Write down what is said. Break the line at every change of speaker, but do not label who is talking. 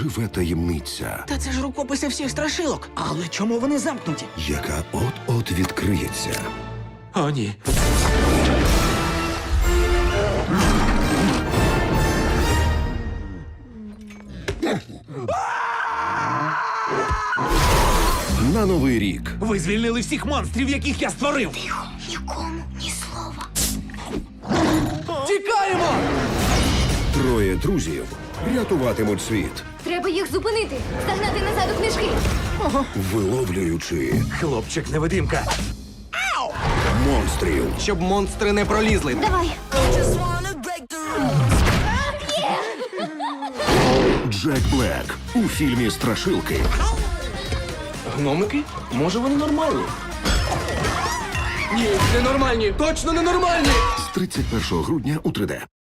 живе таємниця,
Та це ж рукописи всіх страшилок. Але чому вони замкнуті?
яка от-от відкриється.
О, ні.
На Новий рік
Ви звільнили всіх монстрів, яких я створив.
Нікому ні слова.
Тікаємо!
троє друзів рятуватимуть світ,
Треба їх зупинити. Загнати назад у книжки.
виловлюючи
Хлопчик-невидимка.
монстрів.
Щоб монстри не пролізли.
Давай.
Джек Блек у фільмі «Страшилки»
Гномики? Може вони нормальні? Ні, ненормальні. Точно ненормальні!
з 31 грудня у 3D.